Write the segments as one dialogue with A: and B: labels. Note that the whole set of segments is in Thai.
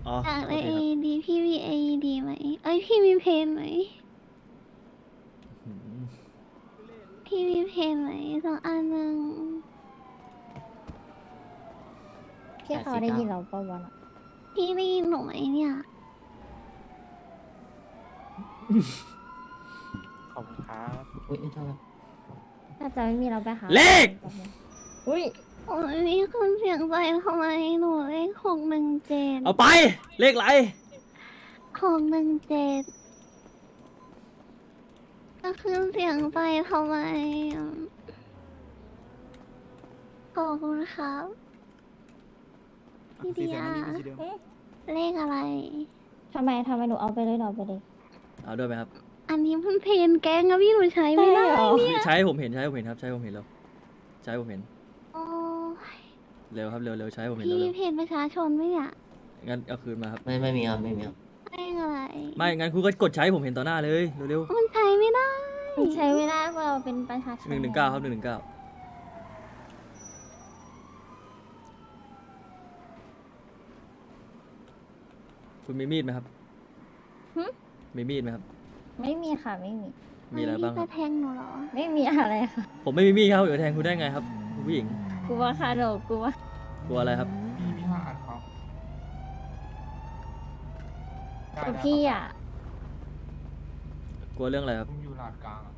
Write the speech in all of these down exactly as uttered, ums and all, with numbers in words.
A: อ๋อ
B: อยาก
A: โท
B: ได้เอ
A: ษทีครับ
B: ดีพี่มีเอดีไหมเอ้ยพี่มีเพนไหม
A: อืม
B: พี่มีเพนไหมสักอันหนึ่ง
C: พี่เขาได้ยินเราปะวะน่ะ
B: พี่ได้ยินหนูไหมเนี่ย
D: ขอบคุณครับ
E: อุ้ยโทษครับ
C: น่าจะไม่มีเราไปหา
A: เลข
C: แป๊บนึงอุ้ย
B: โอ้ยมีคนเสียงใจทำไมหนูเลขหกหนึ่งเจ็ด
A: เอาไป เลขอะไร
B: หกหนึ่งเจ็ดก็คือเสียงใจทำไมอ่ะขอบคุณครับพี่เดียเลขอะไร
C: ทำไมทำไมหนูเอาไปเลยหนูเอาไปเลย
A: เอาด้วยไหมครับ
B: อันนี้มันเพนแกงอะพี่หนูใช้ไม่ได้
C: ใช่เหรอ
B: เนี่ย
A: ใช้ผมเห็นใช้ผมเห็นครับ ใช้ผมเห็นแล้วใช้ผมเห็น
B: โอ้ย
A: เร็วครับ เร็วเร็วใช้ผมเห็น
B: พี่
A: เร็ว
B: เพนประชาชนไหมเนี่ย
A: ๆงั้นเอาคืนมาครับ
E: ไม่ไม่มีครับไม่มีครับ
B: เลขอะไร
A: ไม่ งั้นคุณก็กดใช้ผมเห็นต่อหน้าเลย เร็ว
B: มันใช้ไม่ได้
C: มันใช้ไม่ได้เพราะเราเป็นประชาช
A: ๆ
C: น
A: หนึ่งหนึ่งเก้าครับหนึ่งหนึ่งเก้าคุณมีมีดไหมครับ
C: หึ
A: มีมีดไหมครับ
C: ไม่มีค่ะไม่มี
A: มีอะไรบ้างค
B: พี่
A: รั
B: จะ
A: บ
B: แทงหนูเหรอ
C: ไม่มีอะไรค่ะ
A: ผมไม่มีมีดครับเดี๋ยวแทงคุณได้ไงครับคุณผู้หญิง
C: กลัวค่ะหนูกลัว
A: กลัวอะไรครับ
D: มีมีห้าอันครับได้
C: กับ
D: ได้
C: พี่
D: ครับ
C: อ่ะ
A: กลัวเรื่องอะไรครับ
D: ผมอยู่ลาดกลางอะ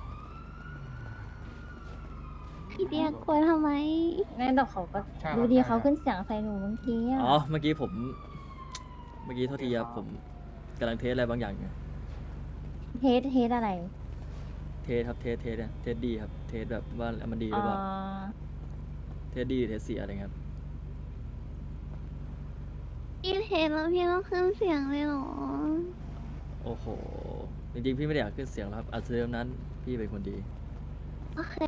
B: พี่เดียกลัวทำไม
C: งั้นเดี๋ยวเขาก็
D: ใช่ครับ
C: ดูดี
D: ใช่
C: เขาขึ้นเสียงใส่หนูเมื่อกี้อ่ะ
A: อ๋อ เมื่อกี้ผม เมื่อกี้โทษทีครับผมกำลังเทสอะไรบางอย่างอยู่
C: เทสเทสอะไร
A: เทสครับ เทส เทสเนี่ยเทสดีครับ เทสแบบว่ามันดีห
C: อ๋
A: รือ
C: อ
A: เปล่า เทสดี เทสเสียอะไรเงี้ยครับ
B: พี่เพนแล้วพี่ต้องขึ้นเสียงเลยเหรอ
A: โอ้โห จริงๆ พี่ไม่ได้อยากขึ้นเสียงหรอกครับอัดเสียงนั้นพี่เป็นคนดี
B: โอเค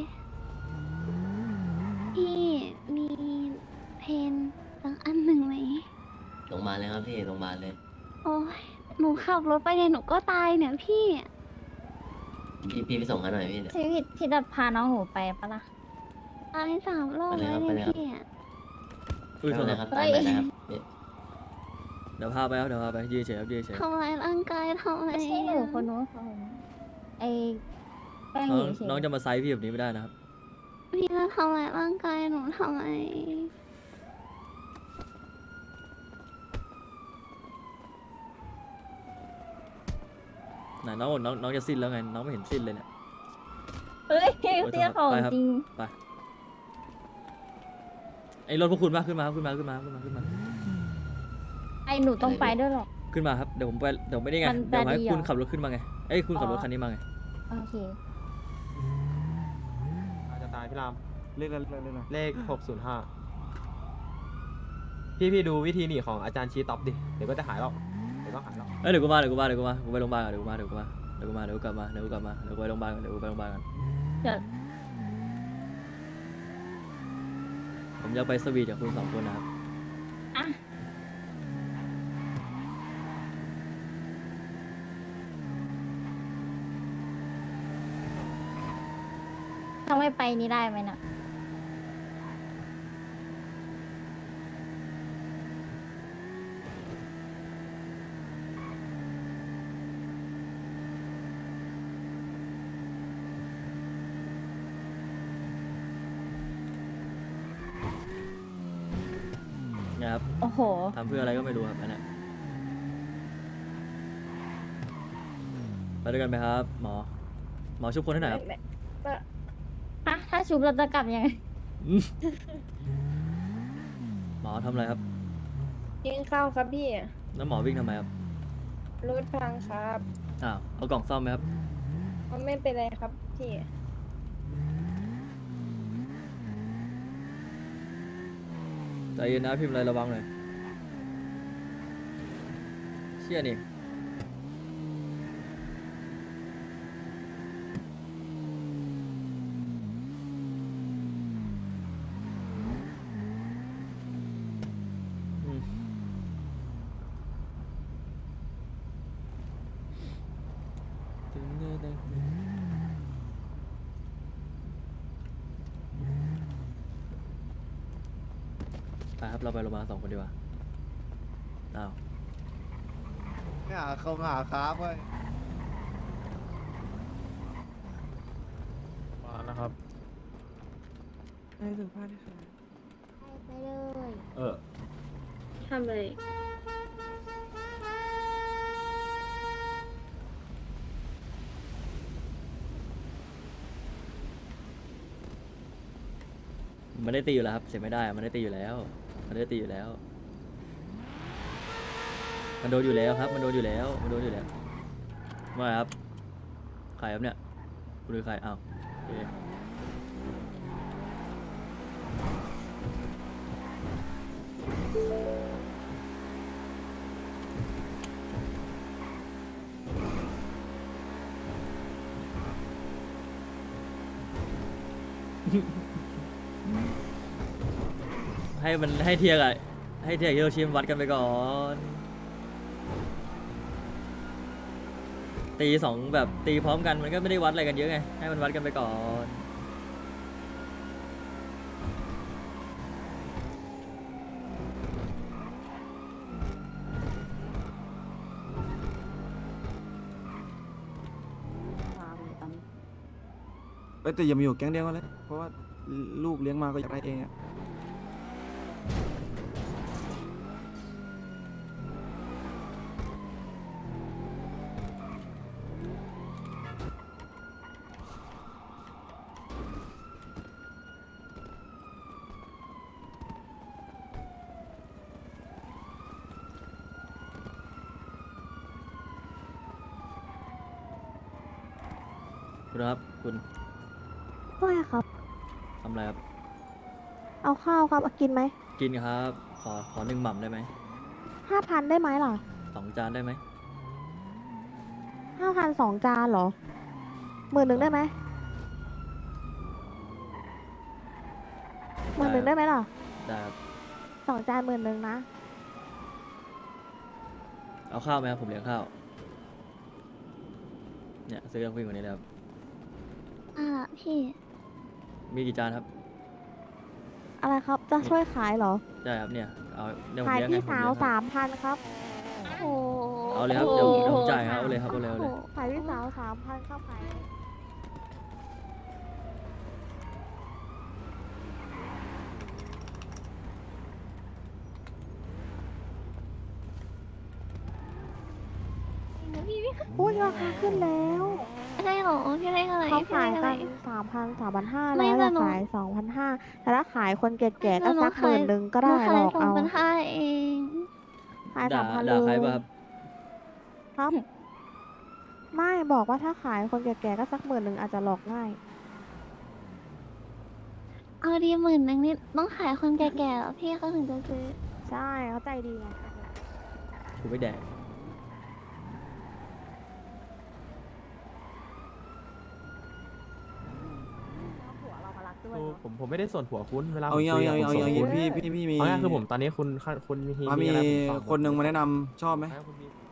B: พี่มีเพนสักอันหนึ่งไหม
E: ลงมาเลยครับพี่ลงมาเลย
B: โอ้ยหนูขับรถไปเนี่ยหนูก็ตายเนี่ยพี่
E: พี่พี่ไปส่งเขาหน่อยพี่เนี่ย
C: ชีวิตพี่จะพาน้องหนูไปปะล่ะ
B: ตายสามรอบ
E: ไปเลย
B: แล้ว
E: ครับ
B: เนี่ย
E: ไปเลยครับ
B: พี่อะ
A: อุ้ยโทษ
E: ไป
A: ค
E: เล
A: รับ
E: ยครับตามไปนะครับพี่
A: เดี๋ยวพาไปครับ เดี๋ยวพาไป ยืนเฉยครับยืนเฉย
B: ทำร้ายร่างกายทำไม
C: ไม่ใช่หนูคนนู้นคนนู้นไอ้แป้ง
A: น้
C: ห
A: อง
C: ญิงเฉย
A: น้องจะมาไซส์พี่แบบนี้ไม่ได้นะครับ
B: พี่จะทำร้ายร่างกายหนูทำไม
A: ไหนน้องบอกน้องน้องจะสิ้นแล้วไง น้องไม่เห็นสิ้นเลยเนี่ย
C: เฮ้ยเตี้ยของ
A: ไปครับ
C: จริง
A: ไป ไอ้รถพวกคุณมาขึ้นมาขึ้นมาขึ้นมาขึ้นมาขึ้นมา
C: ไอ้หนูต้องไปด้วยหรอ
A: ขึ้นมาครับ เดี๋ยวผมไป เดี๋ยวไม่ได้ไง
C: มัน
A: เดี๋ยวให้
C: จะดีเหรอ
A: คุณขับรถขึ้นมาไง เอ้ยคุณขับรถ
C: อ๋อ
A: คันนี้มาไง
C: โอเค
F: อาจจะตายพี่ราม
D: เลขอะไรเลขอะไร
F: เลขหกศูนย์ห้าพี่พี่ดูวิธีหนีของอาจารย์ชี้ต็อปดิ เดี๋ยวก็จะหายแล้วเดี๋ยวก็หายแล้ว
A: เอ้ยเดี๋ยวกูมาเดี๋ยวกูมาเดี๋ยวกูมากูไปโรงพยาบาลก่อนเดี๋ยวกูมาเดี๋ยวกูมาเดี๋ยวกูมาเดี๋ยวกูกลับมาเดี๋ยวกูกลับมาเดี๋ยวกูไปโรงพยาบาลก่อนเดี๋ยวกูไปโรงพยาบาลก่อน
C: เดี๋ยว
A: ผมอยากไปสวีทกับคุณสองคนนะครับ
C: อ่ะถ้าไม่ไปนี่ได้ไหมน่ะ
A: นะครับ
C: โอ้โห
A: ทำเพื่ออะไรก็ไม่รู้ครับอันเนี้ยไปด้วยกันไหมครับ หมอ หมอชุบคนให้หน่อยครับ
C: ฮะ ถ้าชุบเราจะกลับยังไง
A: อืมหมอทำอะไรครับ
G: กินข้าวครับพี่
A: แล้วหมอวิ่งทำไมครับ
G: รถพังครับ
A: อ้าวเอากล่องซ่อมไหมครับ
G: มันไม่เป็นไรครับพี่
A: ใจเย็นนะพิมพ์อะไรระวังหน่อยเชี่ยนี่อืมไปครับเราไปโรงพยาบาลสองคนดีกว่าไปอ้าว
D: หาเขาหาครับเว้ย
F: มานะครับ
C: ไปไปเลย
F: เออ
G: ทำเลย
A: มันได้ตีอยู่แล้วครับเสียไม่ได้มันได้ตีอยู่แล้ว มันได้ตีอยู่แล้ว มันโดนอยู่แล้วครับ มันโดนอยู่แล้ว มันโดนอยู่แล้วว่าไงครับใครครับเนี่ยคุณคือใครอ้าวโอเคให้มันให้เทียร์กับให้เทียร์กับฮิโรชิมวัดกันไปก่อน ตีสองแบบตีพร้อมกันมันก็ไม่ได้วัดอะไรกันเยอะไงให้มันวัดกันไปก่อน
D: เอ้ยแต่อย่ามาอยู่แก๊งเดียวกันเลย เพราะว่าลูกเลี้ยงมาก็อยากได้เองอะ
A: คุณครับคุณ
B: ว่าไงครับ
A: ทำอะไรครับ
B: เอาข้าวครับเอากินไหม
A: กินครับขอขอหนึ่งหม่ำได้ไหม
B: ห้าพันได้ไหมล่ะ
A: สองจานได้ไหม
B: ห้าพันสองจานเหรอหมื่นหนึ่งได้ไหมหมื่นหนึ่งได้ไหมล่ะ
A: ได้ครับ
B: สองจานหมื่นหนึ่งนะ
A: เอาข้าวไหมครับผมเลี้ยงข้าวเนี่ยซื้อกับผู้หญิงคนนี้เลยครับ
B: อ่าพี่
A: มีกี่จานครับ
B: อะไรครับจะช่วยขายเหรอ
A: ได้ครับเนี่ยเอาเดี๋ยวผม
B: ขาย
A: เลี้ยงไง
B: พี่
A: ผม
B: สา
A: เลี้
B: วย
A: งครับ
B: สามพันครับโอ้โห
A: เอาเลยครับเดี๋ยวเดี๋ยวผมจ่ายครับเอาเลยครับเอาเลยเอาเลย
B: โโหขายพี่สาวสามพันครับขายพูดราคาขึ้นแล้ว
C: ได้เหรอพี่ได้อะไร
B: เขา
C: พี่
B: ขาย
C: ได้อะไร
B: กันสามพันสามพันห้า
C: ไม่
B: แล้ว
C: แต่
B: จะ
C: หนู
B: ขายสองพันห้าแต่ถ้าขายคนแก่ๆก็
C: หนู
B: สักหมื่นหนึ่งก็ได้
C: หนู
B: ห
C: ขาย
B: ลอก
C: สอง
B: เอา
C: พันห้าเอง
B: ขายสา
A: ด่าม
B: พัน
A: ด่าใคร
B: เล
A: ป่ะ
B: ย
A: ครับ
B: ครับ ไม่บอกว่าถ้าขายคนแก่ๆก็สักหมื่นหนึ่งอาจจะหลอกง่าย
C: เอาดีหมื่นหนึ่งนี่ต้องขายคนแก่ๆเหรอพี่เขาถึงจะซื้อ
B: ใช่เขาใจดีไง
A: กูไม่แดก
B: ผัวเรามารักด้วย
F: คือ
B: เนอะ
F: ผมผมไม่ได้ส่วนหัวคุณเวลา
D: เอา
F: ผม
D: เอา
F: คุย
D: เอา
F: อะผม
D: เอา
F: ส่วน
D: เอา
F: คุณ
D: พี่พี่พี่มี
F: เอาง่ายคือผมตอนนี้คุณคุณมี
D: มามี
F: อะไรผมฟังหมด
D: คนหนึ่งมาแนะนำชอบไหม
F: เอาคุณมี